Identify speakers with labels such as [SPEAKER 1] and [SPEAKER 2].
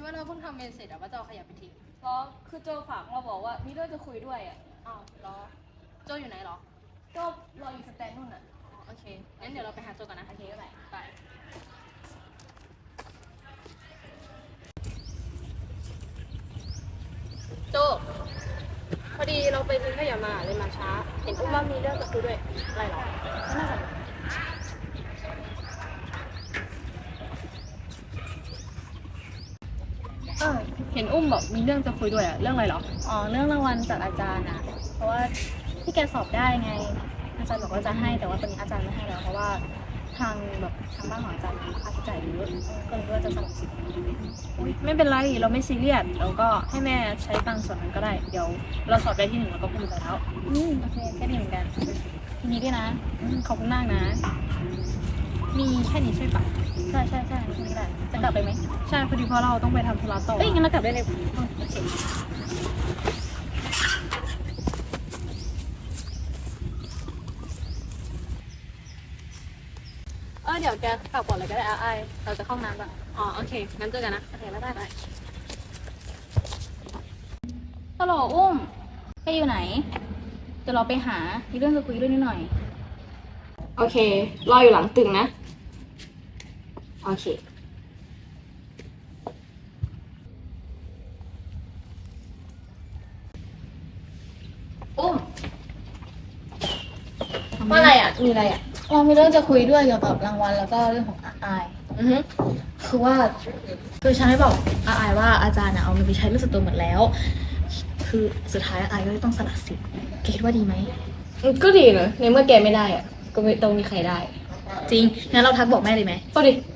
[SPEAKER 1] ว่าเราเพิ่งทำเมนเสร็จอะว่าจะเอาขยะไปทิ้ง
[SPEAKER 2] แล้วคือโจฝากมาบอกว่ามีเรื่องจะคุยด้วยอ่ะ
[SPEAKER 1] อ้าวเหรอโจอยู่ไหนเหรอ
[SPEAKER 2] ก็รออยู่สแตนนู่นอ่ะ
[SPEAKER 1] อ๋อโอเคงั้นเดี๋ยวเราไปหาโจกันนะ
[SPEAKER 2] โอเคก็ได้
[SPEAKER 1] ไปโจพอดีเราไปทิ้งขยะมาเลยมาช้า เห็นว่ามีเรื่องจะคุยด้วยอะไรเหรอ
[SPEAKER 2] ก็น่าจะ
[SPEAKER 1] เห็นอุ้มบอกมีเรื่องจะคุยด้วยอะเรื่องอะไรเหรอ
[SPEAKER 2] อ๋อเรื่องรางวัลจากอาจารย์นะเพราะว่าที่แกสอบได้ไง อาจารย์บอกว่าจะให้แต่ว่าตอนนี้อาจารย์ไม่ให้แล้วเพราะว่าทางบ้านของอาจารย์มีค่าใช้จ่ายเยอะก็เลยว่าจะสนับสนุน
[SPEAKER 1] อุ๊ยไม่เป็นไรเราไม่ซีเรียสเราก็ให้แม่ใช้ตังค์ส่วนนั้นก็ได้ เดี๋ยวเราสอบได้ที่หนึ่งเราก็ภูมิใจแล้ว
[SPEAKER 2] โอเคแค่นี้เหมือนกันทีนี้ด้วยนะ
[SPEAKER 1] ขอบคุณมากนะ มีแค่นี้ใช่ปะ
[SPEAKER 2] ใช่แค่นี้แหละจะกลับไปไหม
[SPEAKER 1] ใช่พอดีเพราะเราต้องไปทำธุระต่อ
[SPEAKER 2] เอ้ยงั้นเรากลับได้เลยโอเค
[SPEAKER 1] เดี๋ยวแกกลับก่อนเลยก็ได้ไอเราจะเข้าห้องน้ำละอ๋อโอเคงั้นเจอกันนะ
[SPEAKER 2] โอเคแล้วได้ฮัลโหลอุ้มแกอยู่ไหนเดี๋ยวเราไปหามีเรื่องจะคุยด้วยนิดหน่อย
[SPEAKER 1] โอเครออยู่หลังตึกนะโอเคอุ้มว่าอะไรอ่ะมีอะไรอ่ะ
[SPEAKER 2] เรามีเรื่องจะคุยด้วยเกี่ยวกับรางวัลแล้วก็เรื่องของอาย
[SPEAKER 1] อือฮึ
[SPEAKER 2] คือว่าคือฉันไม่บอกอายว่าอาจารย์เอาเงินไปใช้เรื่องส่วนตัวหมดแล้ว คือสุดท้ายอายก็เลยต้องสละสิทธิ์แกคิดว่าดีไหม
[SPEAKER 1] ก็ดีนะในเมื่อแกไม่ได้อ่ะก็ไม่ต้องมีใครได้
[SPEAKER 2] จริงงั้นเราทักบอกแม่เลยไหม
[SPEAKER 1] ก็ดิ